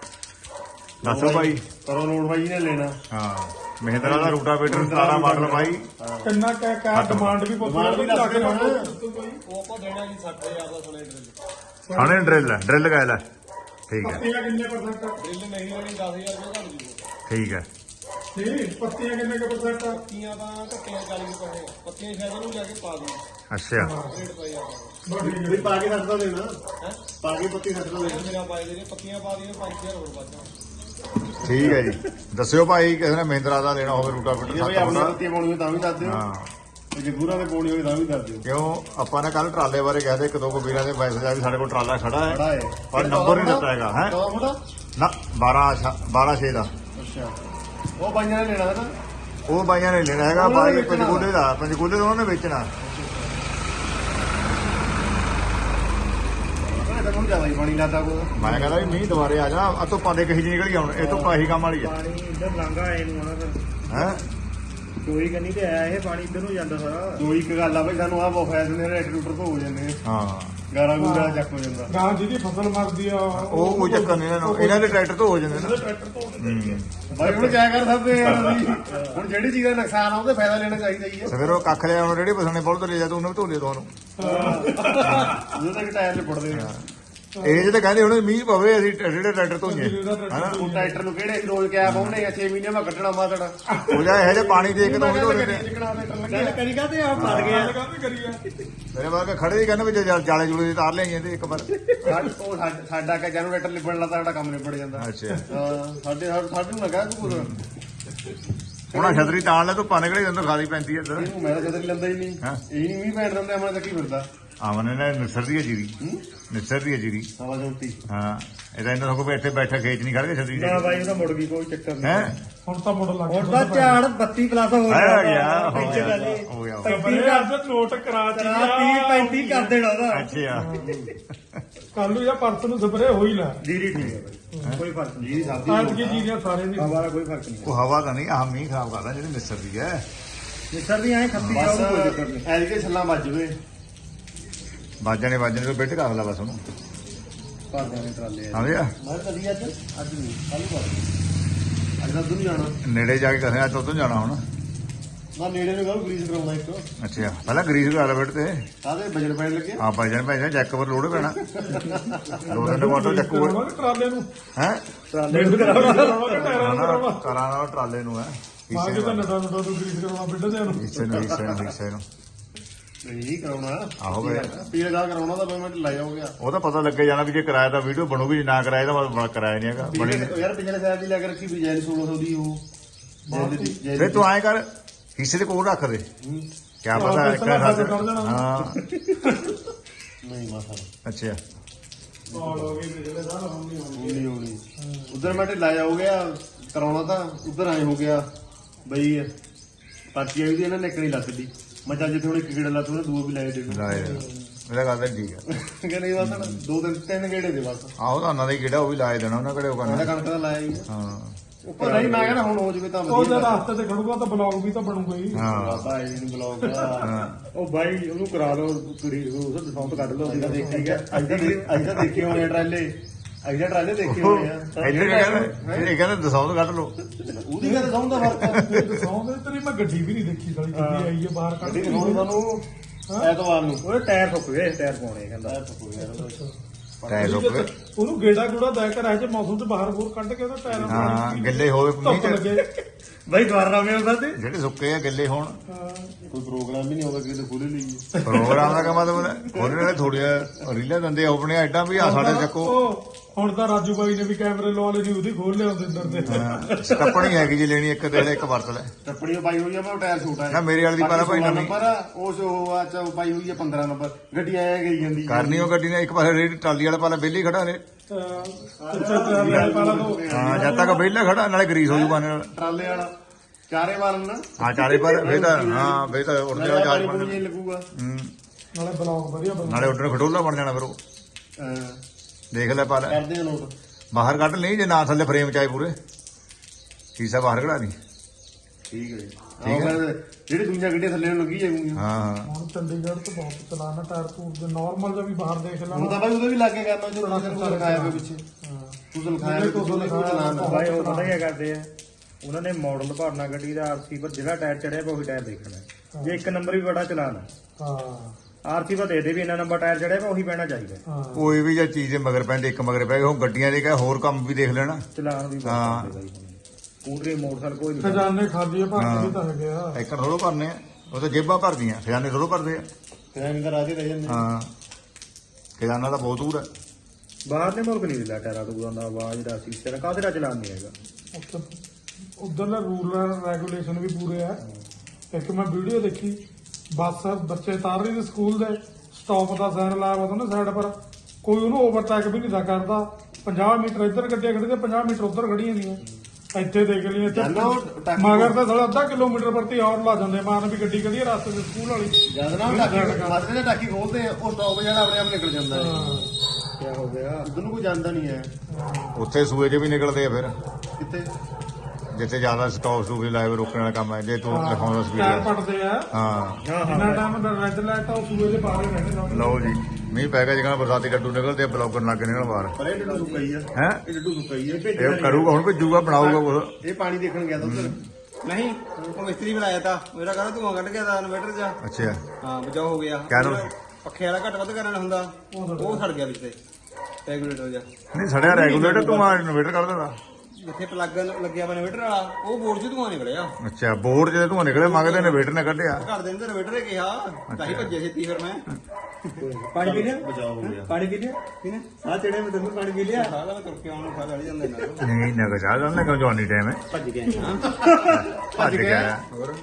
S2: ਦੱਸੋ ਭਾਈ
S1: ਕਰੋ ਨੋਟ ਭਾਈ ਨੇ ਲੈਣਾ
S2: ਹਾਂ ਮਹਿੰਦਰਾ ਦਾ ਰੂਟਾ ਵੀਟਰ ਸਤਾਰਾਂ ਮਾਡਲ ਭਾਈ
S3: ਕਿੰਨਾ ਕਹਿ ਕਹਿ ਡਿਮਾਂਡ ਵੀ ਪੁੱਛ
S1: ਡਿਮਾਂਡ ਵੀ ਦੱਸ ਕੇ ਹੁਣ
S3: ਉਹ
S1: ਉਹ ਆਪਾਂ ਦੇਣਾ ਜੀ ਸੱਠ ਹਜ਼ਾਰ ਦਾ ਸਣੇ ਡਰਿਲ
S2: ਸਾਣੇ ਡਰਿਲ ਡਰਿਲ ਗਾਇਲ ਹੈ ਠੀਕ ਹੈ
S3: ਪੱਤੀਆਂ ਕਿੰਨੇ ਪਰਸੈਂਟ?
S1: ਡਰਿਲ ਨਹੀਂ ਲੈਣੀ ਦਸ ਹਜ਼ਾਰ ਰੁਪਏ ਘੱਟ ਜੂਗਾ
S2: ਠੀਕ ਹੈ
S3: ਨਹੀਂ ਪੱਤੀਆਂ ਕਿੰਨੇ ਕੁ ਪਰਸੈਂਟ?
S1: ਪੱਤੀਆਂ ਤਾਂ ਘੱਟੀਆਂ ਚਾਲੀ ਰੁਪਏ ਪੱਤੀਆਂ ਸ਼ਾਇਦ ਉਹਨੂੰ ਜਾ ਕੇ ਪਾ ਦੀ
S2: ਅੱਛਾ
S1: ਰੇਟ ਪਈ ਆ
S3: ਬੜੀ
S1: ਪਾ ਕੇ ਸੱਠ ਦਾ ਦੇਣਾ ਹੈ ਪਾ ਕੇ ਪੱਤੀ ਸੱਠ ਦਾ ਦੇਣਾ ਮੇਰਾ ਪਾਏ ਦੇ ਪੱਤੀਆਂ ਪਾ ਦੀਆਂ ਪੰਜ ਹਜ਼ਾਰ ਹੋਰ ਬਚਾ।
S2: ਠੀਕ ਹੈ ਜੀ ਦੱਸਿਓ ਭਾਈ ਕਿਸੇ ਨੇ ਮਹਿੰਦਰਾ ਦਾ ਲੈਣਾ ਹੋਵੇ ਰੂਟਾ ਵੀਟਰ
S1: ਜੇ
S2: ਸੱਤ
S1: ਬਈ ਆਪਣੀ
S2: ਫੁੱਟਾ
S1: ਪੱਤੀ ਪਾਉਣੀ ਹੋਵੇ ਤਾਂ ਵੀ ਦੱਸ ਦਿਓ
S2: ਹਾਂ
S1: ਤੇ ਜੇ ਗੁਰਾਂ ਦੇ ਪਾਉਣੀ ਹੋਵੇ ਤਾਂ ਵੀ ਦੱਸ ਦਿਓ
S2: ਕਿਉਂ ਆਪਾਂ ਨੇ ਕੱਲ ਟਰਾਲੇ ਬਾਰੇ ਕਿਹਾ ਤੇ ਇੱਕ ਦੋ ਕੋ ਵੀਰਾਂ ਦੇ ਮੈਸੇਜ ਆ ਵੀ ਸਾਡੇ ਕੋਲ ਟਰਾਲਾ ਖੜਾ
S1: ਖੜਾ
S2: ਹੈ
S1: ਹੈ
S2: ਪਰ ਨੰਬਰ ਨਹੀਂ ਦਿੱਤਾ ਹੈਗਾ ਹੈ
S1: ਚੌਦਾਂ ਫੁੱਟ
S2: ਨਾ ਬਾਰਾਂ ਬਾਰਾਂ ਛੇ ਦਾ
S1: ਅੱਛਾ ਉਹ ਬਾਈਆਂ ਨੇ ਲੈਣਾ ਹੈ ਨਾ
S2: ਉਹ ਬਾਈਆਂ ਨੇ ਲੈਣਾ ਹੈਗਾ
S1: ਉਹਨਾਂ ਨੇ
S2: ਬਾਈ
S1: ਵੇਚਣਾ।
S2: ਪੰਜਕੂਲੇ ਦਾ ਪੰਜਕੂਲੇ ਦਾ ਉਹਨੇ ਵੇਚਣਾ।
S1: ਤੁਹਾਨੂੰ ਜ਼ਿਆਦਾ ਹੀ ਪਾਣੀ ਲਾਤਾ ਕੋ
S2: ਮੈਂ ਕਹਿੰਦਾ ਵੀ ਮੀਂਹ ਦੁਬਾਰੇ ਆ ਜਾਣਾ ਆ ਧੁੱਪਾਂ ਦੇ ਕਹੀ ਨਿਕਲ ਗਈ ਹੁਣ ਇਹ ਧੁੱਪਾਂ ਇਹੀ ਕੰਮ ਵਾਲੀ ਹੈ
S1: ਪਾਣੀ ਇੱਧਰ ਲੰਘਾ ਆਏ ਨੂੰ ਆਣਾ ਫਿਰ
S2: ਹੈ
S1: ਕੋਈ ਕੰਨੀ ਤੇ ਆਇਆ ਇਹ ਪਾਣੀ ਇੱਧਰ ਨੂੰ ਜਾਂਦਾ ਸਾਰਾ ਦੋ ਇੱਕ ਗੱਲ ਆ ਬਈ ਸਾਨੂੰ ਆ ਬਹੁਤ ਫਾਇਦੇ ਨੇ ਰੇਟ ਰੂਟਰ ਤੋਂ ਹੋ ਜਾਂਦੇ ਨੇ
S2: ਹਾਂ
S1: ਗਾਰਾ ਗੂਰਾ ਚੱਕ ਹੋ ਜਾਂਦਾ
S3: ਗਾਂ ਜਿਹਦੀ ਫਸਲ ਮਰਦੀ ਆ
S2: ਉਹ ਕੋਈ ਚੱਕਰ ਨਹੀਂ ਇਹਨਾਂ ਨੂੰ ਇਹਨਾਂ ਦੇ ਟਰੈਕਟਰ ਤੋਂ ਹੋ ਜਾਂਦੇ ਨਾ
S3: ਟਰੈਕਟਰ ਤੋਂ
S2: ਹੂੰ
S1: ਬਾਈ ਹੁਣ ਕਿਆ ਕਰ ਸਕਦੇ ਯਾਰ ਅਸੀਂ ਹੁਣ ਜਿਹੜੀ ਚੀਜ਼ ਦਾ ਨੁਕਸਾਨ ਆ ਉਹਦੇ ਫਾਇਦਾ ਲੈਣਾ ਚਾਹੀਦਾ ਹੀ ਹੈ
S2: ਸਵੇਰ ਉਹ ਕੱਖ ਲਿਆ ਹੁਣ ਰੇੜੀ ਬਸਣੇ ਪੁੱਲ ਤੋਂ ਲੈ ਜਾ ਤੂੰ ਉਹਨੇ ਵੀ ਧੋ ਲਿਆ ਤੁਹਾਨੂੰ
S1: ਉਹਦੇ ਤੱਕ ਟਾਇਰ ਨੇ ਪੁੱਟਦੇ ਨੇ
S2: ਇਹ ਜਿਹੜੇ ਕਹਿੰਦੇ ਹੁਣ ਮੀਂਹ ਪਵੇ ਅਸੀਂ ਜਿਹੜੇ ਟਰੈਕਟਰ ਧੋਈਏ ਹਨਾ
S1: ਉਹ ਟਰੈਕਟਰ ਨੂੰ ਕਿਹੜੇ ਰੋਜ਼ ਕਿਆ ਪਾਉਣੇ ਆ ਛੇ ਮਹੀਨੇ ਮੈਂ ਕੱਢਣਾ ਮਾਤੜਾ
S2: ਉਹ ਜਾ ਇਹੋ ਜਿਹਾ ਪਾਣੀ ਦੇ ਕੇ ਤਾਂ ਉਹ ਵੀ ਧੋ ਲੈਂਦੇ
S1: ਗੱਲ ਕਰੀ ਕਾ ਤੇ ਆ ਫੜ ਗਿਆ
S3: ਕੰਮ ਕਰੀਆ
S2: ਮੇਰੇ ਬਾਅਦ ਖੜੇ ਹੀ ਕਹਿੰਦੇ ਵੀ ਜੇ ਜਾਲੇ ਜੂਲੇ ਦੀ ਤਾਰ ਲਿਆਈਏ ਤੇ ਇੱਕ ਵਾਰ
S1: ਉਹ ਸਾਡਾ- ਸਾਡਾ ਕਾ ਜਨਰੇਟਰ ਲਿਬਣ ਲਾ ਸਾਡਾ ਕੰਮ ਨਿਬੜ ਜਾਂਦਾ
S2: ਅੱਛਾ
S1: ਹਾਂ ਸਾਡੇ ਸਾਡੇ ਨੂੰ ਲੱਗਾ ਕੋਈ
S2: ਹੁਣ ਛਤਰੀ ਤਾਣ ਲੈ ਤੂੰ ਪਾਣੇ ਕਿਹੜੇ ਜਦੋਂ ਖਾਲੀ ਪੈਂਦੀ ਇੱਧਰ
S1: ਇਹਨੂੰ ਮੈਂ ਤਾਂ ਕਦੇ ਲੈਂਦਾ ਹੀ ਨਹੀਂ
S2: ਹਾਂ।
S1: ਇਹ ਨਹੀਂ ਮੀਂਹ ਪੈਣ ਦਿੰਦੇ ਅਮਨ ਤੱਕ ਹੀ ਫਿਰਦਾ
S2: ਆਮਨ ਨੇ ਨਿਸਰ ਦੀ ਹੈ ਜੀਰੀ ਨਿਸਰ ਦੀ ਹੈ ਜੀਰੀ
S1: ਹਵਾ ਜੋਤੀ
S2: ਹਾਂ ਇਹਦਾ ਇਹਨਾਂ ਨੂੰ ਬੈਠੇ ਬੈਠਾ ਖੇਚ ਨਹੀਂ ਖੜ ਕੇ ਛਤਰੀ
S1: ਨਾ ਬਾਈ ਉਹਦਾ ਮੁੜ ਗਈ ਕੋਈ ਚੱਕਰ ਨਹੀਂ
S2: ਹੈ
S3: ਹੁਣ ਤਾਂ ਮੁੜ ਲੱਗ
S1: ਹੁਣ ਤਾਂ ਝਾੜ ਬੱਤੀ ਪਲੱਸ ਹੋ
S2: ਆ ਗਿਆ ਹੋ
S1: ਵਿੱਚ
S2: ਗਿਆ
S1: ਗੱਲ ਹੀ।
S2: ਹੋ ਗਿਆ
S3: ਬਰੇ ਅੱਜ ਨੋਟ ਕਰਾ
S1: ਤੀਹ ਪੈਂਤੀ ਕਰ ਦੇਣਾ ਉਹਦਾ
S2: ਅੱਛਾ
S3: ਕੱਲ ਨੂੰ ਜਾਂ ਪਰਸ ਨੂੰ ਸਪਰੇ ਹੋ ਹੀ ਲੈ
S1: ਜੀਰੀ ਠੀਕ ਹੈ ਕੋਈ ਫਰਕ ਨਹੀਂ ਜੀਰੀ ਸਾਦੀ
S3: ਅੱਜ ਕੀ ਚੀਜ਼ਾਂ ਸਾਰੇ ਦੀ
S1: ਹਵਾ ਦਾ ਕੋਈ ਫਰਕ ਨਹੀਂ
S2: ਉਹ ਹਵਾ ਤਾਂ ਨਹੀਂ ਆਹ ਮੀਂਹ ਖਰਾਬ ਕਰਦਾ ਜਿਹੜੀ ਨਿਸਰ ਦੀ ਹੈ
S1: ਨਿਸਰ ਦੀ ਐ ਖੱਤੀ ਜਾਊ ਕੋਈ ਚੱਕਰ ਨਹੀਂ ਐਲ ਕੇ ਛੱਲਾਂ ਵੱਜ ਜਵੇ
S2: ਬਾਜਣੇ ਬਾਜਣੇ ਤੋਂ ਬਿੱਟ ਕਰ ਲੈ ਬਸ ਉਹਨੂੰ
S1: ਭਰ ਦੇਣੇ ਟਰਾਲੇ
S2: ਆ ਗਿਆ
S1: ਮੈਂ ਕਦੀ ਅੱਜ ਅੱਜ ਨਹੀਂ ਕੱਲ ਨੂੰ ਅੱਜ ਦਾ ਦੁਨੀਆ ਜਾਣਾ
S2: ਨੇੜੇ ਜਾ ਕੇ ਕਰੇ ਅੱਜ ਉਦੋਂ ਜਾਣਾ ਹੁਣ
S1: ਨਾ ਨੇੜੇ ਨੂੰ ਗਾਉ ਗਰੀਸ ਕਰਾਉਣਾ ਇੱਕ
S2: ਅੱਛਾ ਪਹਿਲਾਂ ਗਰੀਸ ਕਰਾ ਲੈ ਬੈਠ ਤੇ
S1: ਕਾਹਦੇ ਵਜਨ ਪੈਣ ਲੱਗੇ
S2: ਆ ਭਾਜਣ ਭਾਜਣ ਚੈੱਕ ਪਰ ਲੋਡ ਪੈਣਾ ਦੋ ਤਿੰਨ ਕੁਆਂਟਲ ਚੱਕੂ
S3: ਕਰਾਵਾਂਗੇ ਟਰਾਲੇ ਨੂੰ
S2: ਹੈ
S3: ਟਰਾਲੇ ਨੂੰ ਕਰਾਵਾਂਗੇ ਟਾਇਰਾਂ ਨੂੰ ਕਰਾਵਾਂਗੇ
S2: ਕਰਾਂ ਨਾਲ ਟਰਾਲੇ ਨੂੰ ਹੈ
S3: ਮਾਂ ਕੇ ਤਾਂ ਨਟਾ ਨਟਾ ਤੋਂ ਗਰੀਸ ਕਰਾਉਣਾ ਪਿੰਡ ਦੇ ਨੂੰ
S2: ਹਿੱਸੇ ਨੂੰ ਹਿੱਸੇ ਨੂੰ ਹਿੱਸੇ ਨੂੰ
S1: ਨਹੀਂ ਕਰਾਉਣਾ
S2: ਆਹੋ ਬਈ
S1: ਪੀੜ ਗਾ ਕਰਾਉਣਾ ਤਾਂ ਪੇਮੈਂਟ ਲੈ ਜਾਓਗੇ
S2: ਉਹ ਤਾਂ ਪਤਾ ਲੱਗੇ ਜਾਣਾ ਵੀ ਜੇ ਕਿਰਾਇਆ ਦਾ ਵੀਡੀਓ ਬਣੂਗੀ ਜੇ ਨਾ ਕਿਰਾਇਆ ਤਾਂ ਮਤਲਬ ਕਿਰਾਇਆ ਨਹੀਂ ਹੈਗਾ ਬਣੀ
S1: ਯਾਰ ਪਿਛਲੇ ਸਾਲ ਦੀ ਲੈ ਕੇ ਰੱਖੀ ਵੀ ਜੈਨ ਸੋਲ੍ਹਾਂ ਸੌ ਦੀ ਉਹ ਜੈਨ
S2: ਫਿਰ ਤੂੰ ਐਂ ਕਰ ਹਿੱਸੇ ਦੇ ਕੋਲ ਰੱਖ ਦੇ ਕਿਆ ਪਤਾ ਇੱਕ
S3: ਹਾਂ
S2: ਹਾਂ
S1: ਨਹੀਂ ਮਾਸਾ
S2: ਅੱਛਾ
S3: ਕਾਲ ਹੋ ਗਈ ਪਿਛਲੇ ਸਾਲ ਹੋਣੀ
S1: ਹੋਣੀ ਹੋਣੀ ਉਧਰ ਮੈਂ ਢਿੱਲਾ ਜਾ ਹੋ ਗਿਆ ਕਰਾਉਣਾ ਤਾਂ ਉਧਰ ਆਏ ਹੋ ਗਿਆ ਬਈ ਪਾਰਟੀ ਆਈ ਦੀ ਇਹਨਾਂ ਨੇ ਇੱਕ ਨਹੀਂ ਲੱਤ ਦੀ ਮੈਂ ਚੱਲ ਜਿੱਥੇ ਹੁਣ ਇੱਕ ਗੇੜਾ ਲੱਤ ਉਹਨੇ ਦੂਆ ਵੀ ਲੈ ਦੇ
S2: ਲਾਏ ਮੇਰਾ ਗੱਲ ਤਾਂ ਠੀਕ ਆ
S1: ਕਿ ਨਹੀਂ ਬਸ ਦੋ ਦਿਨ ਤਿੰਨ ਗੇੜੇ ਦੇ ਬਸ
S2: ਆਹੋ ਤਾਂ ਉਹਨਾਂ ਦਾ ਹੀ ਕਿਹੜਾ ਉਹ ਵੀ ਲਾਏ ਦੇਣਾ ਉਹਨਾਂ ਕਿਹੜੇ ਉਹ
S1: ਉਹਨਾਂ
S2: ਕਰਨਾ
S1: ਕਣਕ ਦਾ ਲਾਇਆ ਹੀ
S2: ਹਾਂ
S1: ਉੱਪਰ ਨਹੀਂ ਮੈਂ ਕਹਿੰਦਾ ਹੁਣ ਹੋ ਜਵੇ ਤਾਂ
S3: ਉਹ
S1: ਵਧੀਆ
S3: ਜਦ ਰਸਤੇ ਤੇ ਖੜੂਗਾ ਤਾਂ ਬਲੌਗ ਵੀ ਤਾਂ ਬਣੂਗਾ ਹੀ
S2: ਹਾਂ
S1: ਬਾਬਾ ਇਹ ਨੂੰ ਬਲੌਗ
S2: ਹਾਂ
S1: ਉਹ ਬਾਈ ਉਹਨੂੰ ਕਰਾ ਲਓ ਕੁੜੀ ਉਹ ਡਿਸਕਾਊਂਟ ਕੱਢ ਲਓ ਜਿਹਦਾ ਦੇਖੀ ਗਿਆ ਅੱਜ ਤਾਂ ਅੱਜ ਤਾਂ ਦੇਖੇ ਹੋਣੇ ਟਰਾਲੇ ਅੱਜ ਤਾਂ ਟਰਾਲੇ ਦੇਖੇ ਹੋਣੇ ਆ
S2: ਇੱਧਰ ਵੀ ਕਹਿੰਦੇ ਇਹ ਕਹਿੰਦੇ ਦਸਾਉਂ ਕੱਢ ਲਓ
S1: ਉਹਦੀ ਗੱਲ ਸੌਂ ਦਾ ਫਰਕ
S3: ਸੌਂ ਦੇ ਤੇਰੀ ਮੈਂ ਗੱਡੀ ਵੀ ਨਹੀਂ ਦੇਖੀ ਸਾਲੀ ਕਿੱਥੇ ਆਈ ਹੈ ਬਾਹਰ ਕੱਢ
S1: ਗੱਡੀ
S3: ਕੇ
S1: ਦਿਖਾਉਣੀ ਤੁਹਾਨੂੰ ਐਤਵਾਰ ਨੂੰ
S4: ਉਹ ਟਾਇਰ ਫੁੱਕ ਗਏ ਟਾਇਰ ਪਾਉਣੇ ਕਹਿੰਦਾ
S1: ਟਾਇਰ ਫੁੱਕ ਗਿਆ
S2: ਟਾਇਰ ਰੁਕ ਗਏ
S3: ਉਹਨੂੰ ਗੇੜਾ ਗੂੜਾ ਦੇ ਕੇ ਰਹਿ ਜੇ ਮੌਸਮ ਚ ਬਾਹਰ ਬੋਰ ਕੱਢ ਕੇ ਉਹਦਾ ਟਾਇਰਾਂ ਨੂੰ
S2: ਹਾਂ
S3: ਪਾਣੀ
S2: ਗੱਲੇ ਹੋਵੇ ਮੀਂਹ
S3: ਧੁੱਪ
S2: ਚ
S3: ਲੱਗੇ
S4: ਬਾਈ ਦੁਆਰਾ ਮੇ ਹੁੰਦਾ ਤੇ
S2: ਜਿਹੜੇ ਸੁੱਕੇ ਆ ਗੱਲੇ ਹੋਣ
S3: ਹਾਂ।
S1: ਕੋਈ ਪ੍ਰੋਗਰਾਮ ਵੀ ਨਹੀਂ ਹੋਵੇ ਕਿਤੇ ਖੋਲੇ ਲਈਏ
S2: ਪ੍ਰੋਗਰਾਮ ਦਾ ਕੰਮ ਮਤਲਬ ਉਹਨੇ ਨੇ ਥੋੜੀਆਂ ਰੀਲਾਂ ਦਿੰਦੇ ਆਪਣੇ ਐਡਾ ਵੀ ਆ ਸਾਡੇ ਚੱਕੋ
S3: ਉਹ ਹੁਣ ਤਾਂ ਰਾਜੂ ਬਾਈ ਨੇ ਵੀ ਕੈਮਰੇ ਲਵਾ ਲਏ ਨਹੀਂ ਉਹਦੀ ਖੋਲ ਲਿਆ ਉਹਦੇ ਅੰਦਰ ਤੇ
S2: ਹਾਂ, ਸਟੱਪਣੀ ਹੈਗੀ ਜੀ ਲੈਣੀ ਇੱਕ ਦੇ ਲੈ ਇੱਕ ਵਰਤ ਲੈ
S1: ਟੱਪੜੀ ਪਾਈ ਹੋਈ ਆ ਮੈਂ ਉਹ ਟਾਇਰ ਛੋਟਾ
S2: ਨਾ ਮੇਰੇ ਵਾਲੀ ਦੀ ਪਾਲਾ ਭਾਈ ਨਵੀਂ
S1: ਨੰਬਰ ਆ ਉਸ ਉਹ ਆ ਚਾ ਪਾਈ ਹੋਈ ਆ ਪੰਦਰਾਂ ਨੰਬਰ ਗੱਡੀ ਆਇਆ ਗਈ ਜਾਂਦੀ
S2: ਕਰਨੀ ਉਹ ਗੱਡੀ ਨੇ ਇੱਕ ਪਾਸੇ ਰੇੜੀ ਟਰਾਲੀ ਵਾਲਾ ਪਾਲਾ ਵਿਹਲੀ ਖੜਾ ਨੇ
S3: ਪਹਿਲਾਂ ਤੋਂ
S2: ਹਾਂ ਜਦ ਤੱਕ ਵਿਹਲਾ ਖੜਾ ਨਾਲੇ ਗਰੀਸ ਹੋ ਜੂ ਬਾਨੇ ਨਾਲ
S1: ਟਰਾਲੇ ਵਾਲਾ ਚਾਰੇ ਮਾਰਨ ਨਾ
S2: ਹਾਂ ਚਾਰੇ ਪਰ ਵੇ ਤਾਂ ਹਾਂ ਵੇ ਤਾਂ ਉੱਡਦੇ ਵਾਲਾ ਚਾਰ ਬਣ
S1: ਪਾਣੀ ਲੱਗੂਗਾ
S2: ਹੂੰ
S3: ਨਾਲੇ ਬਲੌਗ ਵਧੀਆ ਬਣਾ
S2: ਨਾਲੇ ਉੱਡਣ ਖਟੋਲਾ ਬਣ ਜਾਣਾ ਫਿਰ ਉਹ
S1: ਹਾਂ,
S2: ਦੇਖ ਲੈ ਪਾਲਾ
S1: ਕਰਦੇ ਆ ਨੋਟ
S2: ਬਾਹਰ ਕੱਢ ਲਈ ਜੇ ਨਾ ਥੱਲੇ ਫਰੇਮ ਚ ਆਏ ਪੂਰੇ ਸ਼ੀਸ਼ਾ ਬਾਹਰ ਕਢਾ ਦੀ
S1: ਠੀਕ ਹੈ ਜੀ ਆਹ ਫਿਰ ਜਿਹੜੀ ਦੁਨੀਆ ਗੱਡੀ ਥੱਲੇ ਨੂੰ ਲੱਗੀ ਜਾਊਗੀ
S2: ਹਾਂ ਹਾਂ
S3: ਹੁਣ ਚੰਡੀਗੜ੍ਹ ਤੋਂ ਬਹੁਤ ਚਲਾਣਾ ਟਾਇਰ ਟੂਰ ਦੇ ਨਾਰਮਲ ਜਿਹਾ ਵੀ ਬਾਹਰ ਦੇਖ
S1: ਹੁਣ
S3: ਲੈਣਾ
S1: ਤਾਂ ਬਾਈ ਉਹਦੇ ਵੀ ਲੱਗੇ ਕਰਨਾ ਜੋ ਤੁਸੀਂ ਲਿਖਾਇਆ ਹੋਇਆ ਪਿੱਛੇ
S3: ਹਾਂ।
S1: ਤੂੰ ਤਾਂ ਲਿਖਾਇਆ ਹੋਇਆ ਪਿੱਛੇ ਕੋਈ ਚਲਾਣਾ
S4: ਬਾਈ ਉਹ ਪਤਾ ਕੀ ਕਰਦੇ ਆ ਉਹਨਾਂ ਨੇ ਮਾਡਲ ਭਰਨਾ ਗੱਡੀ ਦਾ ਆਰਸੀ ਪਰ ਜਿਹੜਾ ਟਾਇਰ ਚੜਿਆ ਪਿਆ ਉਹੀ ਟਾਇਰ ਦੇਖਣਾ ਜੇ ਇੱਕ ਨੰਬਰ ਵੀ ਬੜਾ ਚਲਾਣਾ
S3: ਹਾਂ
S4: ਆਰਸੀ ਪਰ ਦੇ ਦੇ ਵੀ ਇਹਨਾਂ ਨੰਬਰ ਟਾਇਰ ਚੜਿਆ ਪਿਆ ਉਹੀ ਪੈਣਾ ਚਾਹੀਦਾ
S3: ਹਾਂ
S2: ਕੋਈ ਵੀ ਜਾਂ ਚੀਜ਼ ਦੇ ਮਗਰ ਪੈਂਦੇ ਇੱਕ ਮਗਰ ਪੈ ਗਏ ਹੁਣ ਗੱਡੀਆਂ ਦੇ ਕਹੇ ਹੋਰ ਕੰਮ ਵੀ ਦੇਖ ਲੈਣਾ
S4: ਚਲਾਣ ਵੀ
S2: ਹਾਂ।
S4: ਬਹੁਤ ਬਾਈ ਸਕੂਟਰੀ ਮੋਟਰਸਾਈਕਲ ਕੋਈ ਨਹੀਂ
S3: ਖਜ਼ਾਨੇ ਖਾਲੀ ਭਰਤੀ ਵੀ ਤਾਂ ਹੈਗੇ ਆ
S2: ਇੱਕ ਥੋੜੋ ਭਰਨੇ ਆ ਉਹ ਤਾਂ ਜੇਬਾਂ ਭਰਦੀਆਂ ਖਜ਼ਾਨੇ ਥੋੜੋ ਭਰਦੇ ਆ
S1: ਫਿਰ ਐਵੇਂ ਤਾਂ ਰਾਜੇ ਰਹਿ ਜਾਂਦੇ
S2: ਹਾਂ ਖਜ਼ਾਨਾ ਤਾਂ ਬਹੁਤ ਦੂਰ ਹੈ
S4: ਬਾਹਰਲੇ ਮੁਲਕ ਨਹੀਂ ਦਿੰਦਾ ਟਾਇਰਾਂ ਤੋਂ ਦਾ ਆਵਾਜ਼ ਦਾ ਸੀਸਾ ਦਾ ਕਾਹਦੇ ਦਾ ਚਲਾਨ ਨਹੀਂ ਹੈਗਾ
S3: ਉੱਥੇ ਉਧਰਲਾ ਰੂਲ ਰੈਗੂਲੇਸ਼ਨ ਵੀ ਪੂਰੇ ਆ ਇੱਕ ਮੈਂ ਵੀਡੀਓ ਦੇਖੀ ਬੱਸ ਬੱਚੇ ਤਾਰ ਰਹੀ ਸੀ ਸਕੂਲ ਦੇ ਸਟਾਪ ਦਾ ਸਾਈਨ ਲਾਇਆ ਵਾ ਉਹਨੇ ਸਾਈਡ ਪਰ ਕੋਈ ਉਹਨੂੰ ਓਵਰਟੇਕ ਵੀ ਨਹੀਂ ਦਾ ਕਰਦਾ ਪੰਜਾਹ ਮੀਟਰ ਇੱਧਰ ਗੱਡੀਆਂ ਖੜੀਆਂ ਪੰਜਾਹ ਮੀਟਰ ਉੱਧਰ ਖੜੀਆਂ ਹੁੰਦੀਆਂ ਇੱਥੇ ਦੇਖ ਲਈ ਇੱਥੇ
S1: ਜਾਨਾ ਉਹ ਟਾਕੀ
S3: ਮਗਰ ਤਾਂ ਸਾਲਾ ਅੱਧਾ ਕਿਲੋਮੀਟਰ ਪ੍ਰਤੀ ਆਵਰ ਲਾ ਜਾਂਦੇ ਮਾਨ ਵੀ ਗੱਡੀ ਕਦੀ ਰਸਤੇ ਦੇ ਸਕੂਲ ਵਾਲੀ
S1: ਜਦ ਨਾ ਉਹ ਟਾਕੀ ਮਾਸਟਰ ਨੇ ਟਾਕੀ ਖੋਲਦੇ ਆ ਉਹ ਸਟਾਪ ਜਿਹੜਾ ਆਪਣੇ ਆਪ ਨਿਕਲ ਜਾਂਦਾ ਹੈ
S3: ਹਾਂ,
S4: ਕੀ ਹੋ ਗਿਆ
S1: ਉਧਰ ਨੂੰ ਕੋਈ ਜਾਂਦਾ ਨਹੀਂ ਹੈ
S2: ਉੱਥੇ ਸੂਏ 'ਚ ਵੀ ਨਿਕਲਦੇ ਆ ਫਿਰ
S1: ਕਿੱਥੇ
S2: ਜਿੱਥੇ ਜ਼ਿਆਦਾ ਸਟਾਪ ਸੂਪ ਲਾਏ ਹੋਏ ਰੋਕਣ ਵਾਲਾ ਕੰਮ ਹੈ ਜੇ ਤੂੰ ਲਿਖਾਉਂਦਾ
S3: ਟਾਇਰ
S2: ਸਪੀਡ
S3: ਪਟਦੇ ਆ
S2: ਹਾਂ
S3: ਜਿੰਨਾ ਟਾਈਮ ਰੈੱਡ ਲਾਈਟ ਆ ਉਹ ਸੂਏ ਦੇ ਬਾਹਰ ਹੀ ਰਹਿੰਦੇ ਨੇ
S2: ਲਓ ਜੀ ਮੀਂਹ ਪੈ ਗਿਆ ਜਿਹਾ ਬਰਸਾਤੀ ਡੱਡੂ ਨਿਕਲਦੇ ਆ ਬਲੌਗਰ ਲੱਗ ਨਿਕਲ ਬਾਹਰ
S1: ਪਰ ਇਹ ਡੱਡੂ ਸੁੱਕਾਈ ਆ
S2: ਹੈ
S1: ਇਹ ਡੱਡੂ ਸੁੱਕਾਈ ਆ
S2: ਇਹ ਕਰੂਗਾ ਹੁਣ ਭੇਜੂਗਾ ਬਣਾਊਗਾ ਕੁਛ
S1: ਇਹ ਪਾਣੀ ਦੇਖਣ ਗਿਆ ਤਾਂ ਉੱਧਰ
S5: ਨਹੀਂ ਉਹ ਮਿਸਤਰੀ ਬਣਾਇਆ ਤਾਂ ਮੇਰਾ ਕਹਿੰਦਾ ਧੂਆਂ ਕੱਢ ਗਿਆ ਤਾਂ ਇਨਵਰਟਰ ਜਾ
S2: ਅੱਛਾ
S5: ਹਾਂ ਬਚਾਓ ਹੋ ਗਿਆ
S2: ਕਹਿ ਲਓ।
S5: ਪੱਖੇ ਵਾਲਾ ਘੱਟ ਵੱਧ ਕਰਨ ਹੁੰਦਾ ਉਹ ਸੜ ਗਿਆ ਵਿੱਚ ਤੇ ਰੈਗੂਲੇਟਰ ਜਾ
S2: ਨਹੀਂ ਸੜਿਆ ਰੈਗੂਲੇਟਰ ਤੂੰ ਆ ਇਨਵੇਟਰ ਕਰ ਦਿੰਦਾ
S5: ਜਿੱਥੇ ਪਲੱਗ ਲੱਗਿਆ ਵਾ ਇਨਵਰਟਰ ਵਾਲਾ ਉਹ ਬੋਰਡ 'ਚ ਧੂਆਂ ਨਿਕਲਿਆ
S2: ਅੱਛਾ ਬੋਰਡ ਜਿਹਦੇ ਤੂੰ ਨਿਕਲੇ ਮੰਗਦੇ ਇਨਵੇਟਰ ਨੇ ਕੱਢਿਆ
S5: ਘਰ ਦੇ ਅੰਦਰ ਇਨਵਰਟਰ ਹੀ ਕਿਹਾ ਤਾਂ ਹੀ ਭੱਜੇ ਛੇਤੀ ਫਿਰ ਮੈਂ
S4: ਪਾਣੀ ਪੀ ਲਿਆ
S1: ਬਚਾਅ ਹੋ ਗਿਆ
S4: ਪਾਣੀ ਪੀ ਲਿਆ
S5: ਕਿਨੇ
S4: ਆ ਚੜੇ ਮੈਂ ਤੈਨੂੰ ਪਾਣੀ ਪੀ ਲਿਆ
S5: ਸਾਲਾ ਮੈਂ ਤੁਰ ਕੇ ਆਉਣ ਨੂੰ ਖਾ ਲੜੀ ਜਾਂਦੇ ਨਾਲ
S2: ਨਹੀਂ ਨਾ ਕਚਾ ਜਾਂਦੇ ਕਿਉਂ ਜਵਾਨੀ ਟਾਈਮ ਹੈ
S4: ਭੱਜ ਗਏ ਹਾਂ
S2: ਭੱਜ ਗਿਆ
S5: ਹੋਰ